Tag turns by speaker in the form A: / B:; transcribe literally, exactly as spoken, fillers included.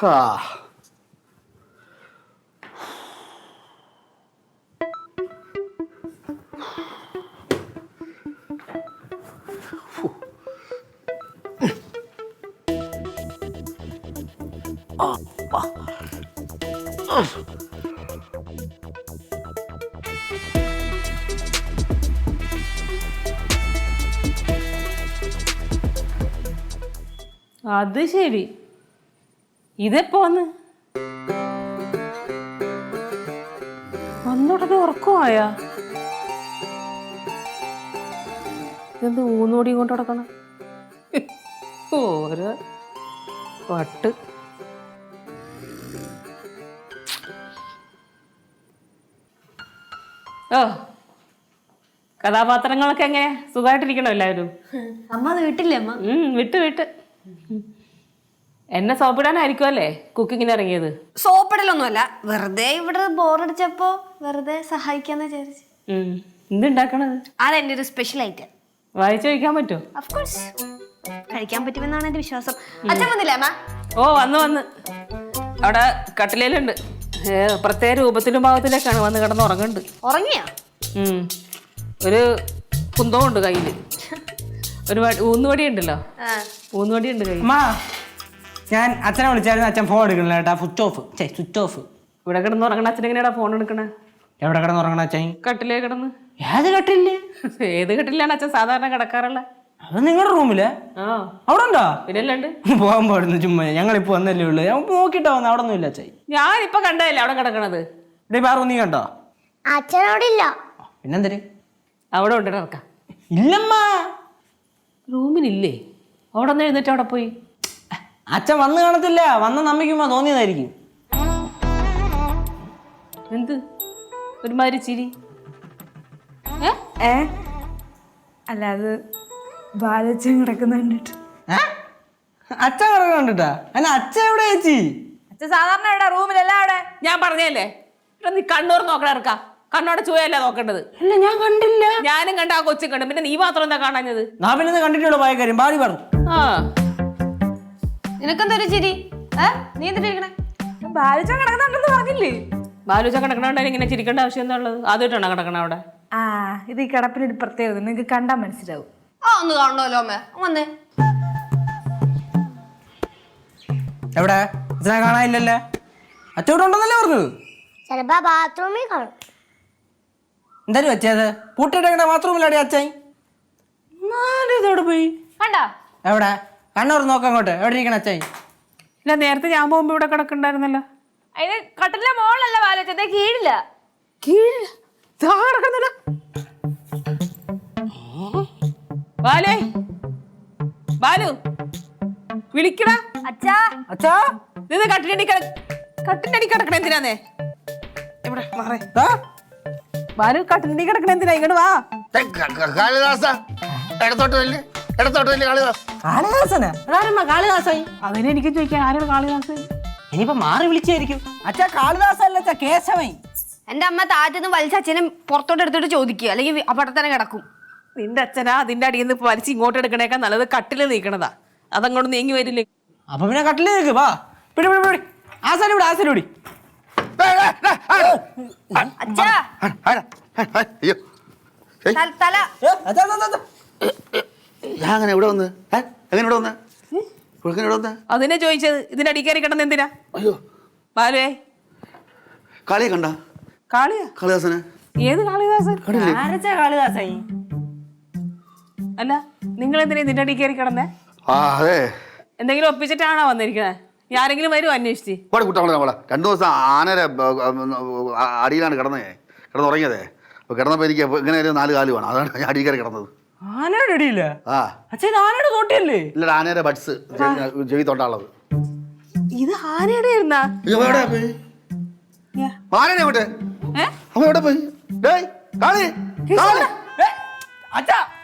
A: അത് ശരി, ഇതെപ്പോ വന്ന് വന്നുടനെ ഉറക്കമായാ? ഇതെന്ത് ഊന്നോടിയും കൊണ്ട് നടക്കണം? ഓരോ വട്ട്. ഓ, കഥാപാത്രങ്ങളൊക്കെ എങ്ങനെ? സുഖമായിട്ടിരിക്കണോ എല്ലാവരും?
B: അമ്മ വീട്ടില്ലേ അമ്മ?
A: ഉം വിട്ട് വിട്ട് എന്നെ സോപ്പിടാനായിരിക്കും അല്ലേ കുക്കിങ്ങിന് ഇറങ്ങിയത്?
B: സോപ്പിടലൊന്നുമല്ല, വെറുതെ ഇവിടെ ബോറടിച്ചപ്പോ വെറുതെ സഹായിക്കാന്ന് വിചാരിച്ചു.
A: എന്തുണ്ടാക്കണത്?
B: അതെന്റെ ഒരു സ്പെഷ്യൽ ഐറ്റം.
A: വായിച്ചു കഴിക്കാൻ പറ്റുമോ?
B: ഓഫ്കോഴ്സ് കഴിക്കാൻ പറ്റുമെന്നാണ് എന്റെ വിശ്വാസം. അച്ഛൻ വന്നില്ലേ അമ്മ?
A: ഓ വന്ന് വന്ന് അവിടെ കട്ടിലേലുണ്ട്. പ്രത്യേക രൂപത്തിലും ഭാവത്തിലേക്കാണ് വന്ന് കിടന്ന് ഉറങ്ങുന്നുണ്ട്.
B: ഉറങ്ങിയാ?
A: ഉം ഒരു കുന്തവും ഉണ്ട് കയ്യില്. ഒരു ഊന്നുവടി ഉണ്ടല്ലോ, ഊന്നുവടി ഉണ്ട് കയ്യിൽ.
C: ഞാൻ അച്ഛനെ വിളിച്ചായിരുന്നു, അച്ഛൻ ഫോൺ എടുക്കണില്ല കേട്ടാ. Switch off. Switch off.
A: ഇവിടെ കിടന്ന് ഉറങ്ങണ അച്ഛൻ എങ്ങനെയാടാ ഫോൺ എടുക്കണേ?
C: എവിടെ കിടന്ന് ഉറങ്ങണ അച്ഛൻ?
A: കട്ടിലേ കിടന്ന്.
C: ഏത് കട്ടില്?
A: ഏത് കട്ടിലാണ് അച്ഛൻ സാധാരണ കിടക്കാറുള്ള?
C: അത് നിങ്ങളുടെ റൂമില്?
A: ആ
C: അവിടെ ഉണ്ടോ?
A: പിന്നല്ലാണ്ട്
C: പോകാൻ പാടുന്നു ചുമ്മാ. ഞങ്ങളിപ്പോ വന്നല്ലേ ഉള്ളു. ഞാൻ നോക്കിട്ടാ വന്ന. അവിടെ ഒന്നും ഇല്ല അച്ഛൻ.
A: ഞാനിപ്പൊ കണ്ടതല്ലേ അവിടെ കിടക്കണത്.
C: ഇവിടെ വേറെ നീ കണ്ടോ?
B: അച്ഛനോടില്ല.
C: പിന്നെന്തര്?
A: അവിടെ ഉണ്ട് ഇറക്കാം.
C: ഇല്ലമ്മ,
A: റൂമിലില്ലേ? അവിടെ ഒന്ന് എഴുന്നേറ്റ് അവിടെ പോയി.
C: അച്ഛൻ വന്ന് കാണത്തില്ല. വന്ന നമ്മയ്ക്കുമ്പോ തോന്നിയതായിരിക്കും.
A: എന്ത് ഒരുമാതിരി ചിരി?
D: ഏ അല്ല, അത് ബാലച്ചൻ കിടക്കുന്ന കണ്ടിട്ട്.
C: അച്ഛൻ കിടക്കുന്ന കണ്ടിട്ടാ? അല്ല അച്ഛൻ എവിടെ ചേച്ചി?
D: അച്ഛൻ സാധാരണ എവിടെ? റൂമിലല്ല അവിടെ.
A: ഞാൻ പറഞ്ഞല്ലേ നീ കണ്ണൂർ നോക്കണ ഇറക്കാം. കണ്ണോടെ ചുവയല്ല നോക്കേണ്ടത്.
C: അല്ല ഞാൻ കണ്ടില്ല.
A: ഞാനും കണ്ട ആ കൊച്ചും കണ്ടു. പിന്നെ നീ മാത്രം എന്താ കാണാഞ്ഞത്?
C: നാ പിന്നെ കണ്ടിട്ടുള്ള പോയ കാര്യം ബാലി പറഞ്ഞു.
A: ആ
B: നിനക്കെന്തൊരു ചിരി? നീ എന്തിട്ടിരിക്കണേ?
D: ബാലച്ചൻ കിടക്കുന്നുണ്ടെന്ന് പറഞ്ഞില്ലേ?
A: ബാലുച്ച കിടക്കണോണ്ടായി ഇങ്ങനെ ചിരിക്കേണ്ട ആവശ്യം എന്താ ഉള്ളത്? ആദ്യമായിട്ടാണോ കിടക്കണ അവിടെ?
D: ആ ഇത് ഈ കിടപ്പിനൊരു പ്രത്യേകത, നിങ്ങക്ക് കണ്ടാൽ മനസ്സിലാവും.
B: ആ ഒന്ന് കാണണമല്ലോ അമ്മ. വന്നേ.
C: എവിടെ? അച്ഛനെ കാണാനില്ലല്ലേ? അച്ഛൻ ഇവിടെ ഉണ്ടെന്നല്ലേ പറഞ്ഞത്?
B: ചിലപ്പോ ബാത്റൂമിൽ കാണും.
C: എന്തായാലും വെച്ചത് പൂട്ടിയിട്ടെ ബാത്റൂമിലാടി അച്ഛൻ. ഇതോടെ പോയി
B: കണ്ടാ?
C: എവിടെ? കണ്ണൂർ നോക്കാം അങ്ങോട്ട്. എവിടെ ഇരിക്കണ അച്ഛൻ?
A: ഇല്ല, നേരത്തെ ഞാൻ പോകുമ്പോ ഇവിടെ കിടക്കണ്ടായിരുന്നല്ലോ.
D: അതിന് കട്ടിലെ മോളല്ല ബാലച്ചൻ, കീഴില്ല.
A: കീഴില്ല കിടക്കുന്നില്ല. ബാലേ, ബാലു വിളിക്കടാ.
D: അച്ഛാ
C: അച്ഛാ
A: ഇത് കട്ടിലടി കട്ടിന്റെ അടി കിടക്കണ എന്തിനാന്നേ? ഇവിടെ മാറേ. ബാലു കട്ടിലടി കിടക്കണ എന്തിനാ? ഇങ്ങോട്ട് വാ.
E: കാളിദാസ ഇടത്തോട്ടല്ലേ? ഇടത്തോട്ടല്ലേ കാളിദാസ്?
C: കാളിദാസനാ? കാളിദാസായി
A: അതിനെ എനിക്ക് ചോദിക്കാൻ, ആരാണ് കാളിദാസൻ?
C: ഇനിയിപ്പോ മാറി വിളിച്ചായിരിക്കും. അച്ഛാ കാളിദാസല്ല അച്ഛാ, കേശവൻ.
B: എന്റെ അമ്മ താറ്റന്ന് വലിച്ച അച്ഛനെ പുറത്തോട്ട് എടുത്തിട്ട് ചോദിക്കുക, അല്ലെങ്കിൽ അവിടെ തന്നെ കിടക്കും.
A: നിന്റെ അച്ഛനാ അതിന്റെ അടിയിൽ നിന്ന് വലിച്ച് ഇങ്ങോട്ട് എടുക്കണേക്കാൾ നല്ലത് കട്ടില് നീക്കണതാ. അതങ്ങോട്ട് നീങ്ങി വരില്ലേ?
C: അപ്പൊ പിന്നെ കട്ടില് നീക്ക്. വാ പിടി പിടി പിടി. ആസാരി വിടി, ആസാരി വിടി.
B: അച്ഛാ
E: അയ്യോ
B: തല
E: ഞാൻ അങ്ങനെ ഇവിടെ വന്ന് എങ്ങനെ ഇവിടെ വന്ന് ഇവിടെ വന്ന്
A: അതിനെ ചോദിച്ചത്. ഇതിന്റെ അടി കയറി കിടന്ന് എന്തിനാ?
E: അയ്യോ
A: ബാലുവേ,
E: കാളിയെ കണ്ട?
A: കാളിയാ?
E: കാളിദാസനെ?
A: ഏത് കാളിദാസൻ?
C: കാളിദാസായി
A: അല്ല, നിങ്ങൾ എന്തിനാ ഇതിന്റെ അടി കയറി കിടന്നേ?
E: ആ അതെ,
A: എന്തെങ്കിലും ഒപ്പിച്ചിട്ടാണോ വന്നിരിക്കുന്നത്? ആരെങ്കിലും വരുമോ അന്വേഷിച്ച്?
E: ഇവിടെ കുട്ടാ നമ്മളെ രണ്ടു ദിവസം ആനരെ അടിയിലാണ് കിടന്നേ, കിടന്നുറങ്ങിയതേ. അപ്പൊ കിടന്നപ്പോ എനിക്ക് ഇങ്ങനെ ഒരു നാല് കാല് വേണം, അതാണ് ഞാൻ അടിയിൽ കയറി കിടന്നത്.
C: ആനയുടെ അടിയില്ല?
E: ആ
C: അച്ഛൻ ആനയുടെ തോട്ടിയല്ലേ?
E: ഇല്ല, ആനയുടെ ബഡ്സ് ചെവി തൊണ്ടാളത്.
A: ഇത് ആനയുടെ ആയിരുന്നാ?
E: ആനനെ എവിടെ? അവൻ എവിടെ പോയി? കാളി കാളി
C: അച്ഛാ